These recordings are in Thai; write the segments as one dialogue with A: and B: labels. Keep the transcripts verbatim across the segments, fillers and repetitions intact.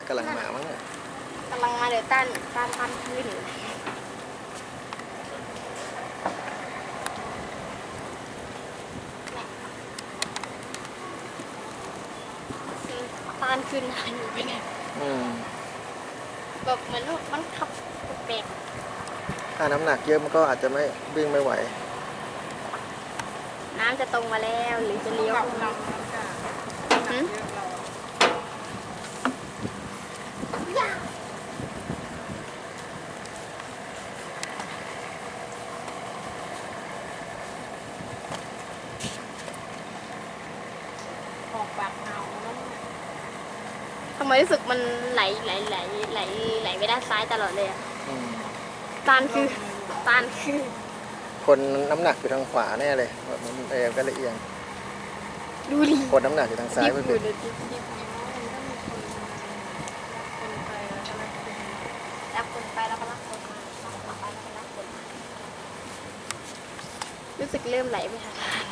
A: กำลังมามั้ง
B: กำลังมาเดี๋ยวต้านต้านต้านขึ้นต้านขึ้นนานอยู่ไปเนี่ยแบบเหมือนมันขับแปลก
A: ถ้าน้ำหนักเยอะมันก็อาจจะไม่วิ่งไม่ไหว
B: น้ำจะตรงมาแล้วหรือจะเลี้ยว
C: ออกปากเงาแล้ว
B: ทำไมรู้สึกมันไหลไหลไหลไหลไหลไปด้านซ้ายตลอดเลยอ่ะตานคือตานคือ
A: คนน้ำหนักอยู่ทางขวาแน่เลยมันเอวก็เลยเอียง
B: ดูดิ
A: คนน้ำหนักอยู่ทางซ้ายไม่เป็น
B: รับคนไปแล้วก็รับคนมารับคนไปแล้วก็รับคนมารู้สึกเริ่มไหลไปทางซ้าย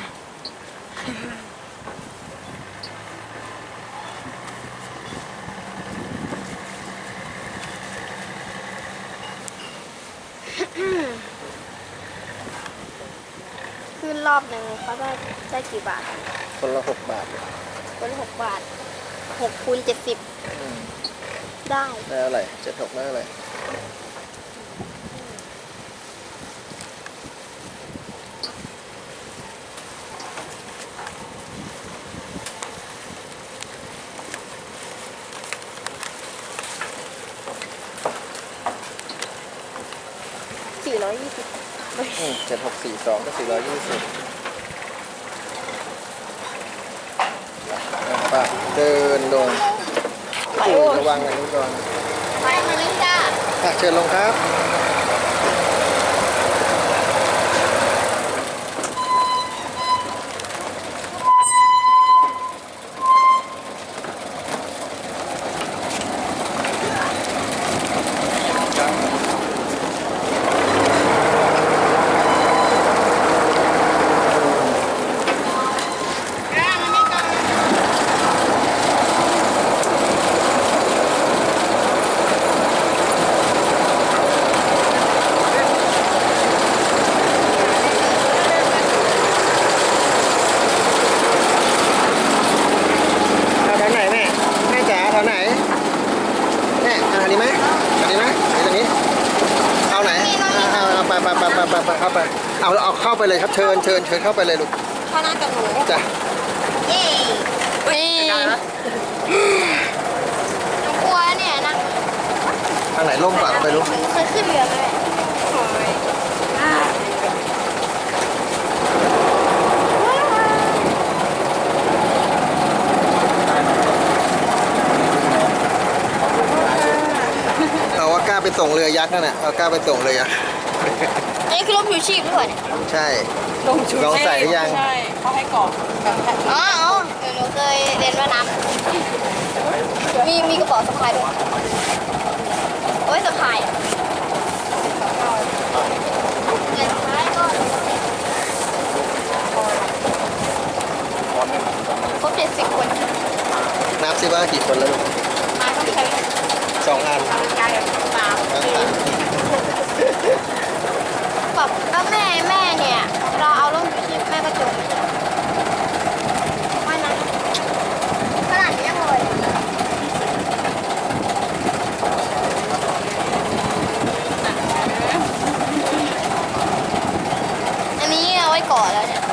B: ขึ้นรอบหนึ่งเขาได้ได้กี่บาท
A: คนละหกบาท
B: คนละหกบาทหกคูณเจ็ดสิบได้
A: ได้อะไรเจ็ดหกได้อะไร
B: สี่ร้อยยี่สิบ
A: เจ็ดหกสี่สองก็สี่ร้อยยี่สิบป่ะเดินลงระวังอันนี้ก่อน
B: ไปมาลิจ้า
A: เชิญลงครับเข้าไปเอาเอาเข้าไปเลยครับเชิญเชิญเชิญเข้าไปเลยลูก
B: เข้าหน้ากับหนู
A: จ้ะ
B: เย้เฮ้ยหนูกลัวเนี่ยนั่ง
A: ทางไหนล่มกว่าไปลูก
B: เคยขึ้นเรือไหม
A: เอาว่ากล้าไปส่งเรือยักษ์นั่นแหละเอากล้าไปส่งเรือยักษ์
B: อันนี้คือร่มชูชีพหรือเปล่าเนี่ย
A: ใช่ลงชูชีพลองใส่หรือยัง
C: ใช่เขาให้กรอก
B: อ๋ออ๋อเดี๋ยวหนูเคยเรียนว่ายน้ำมีมีกระเป๋าสะพายด้วยโอ้ยสะพายเงินท้ายก็ครบเจ็ดสิบคน
A: นับสิว่ากี่คนแล้วลูก
B: มาต้องใช้
A: สองอัน
B: แบบแล้วแม่แม่เนี่ยเราเอาร่มชูชีพแม่ก็จมไม่นะขนาดนี้เลยอันนี้เอาไว้ก่อนแล้วเนี่ย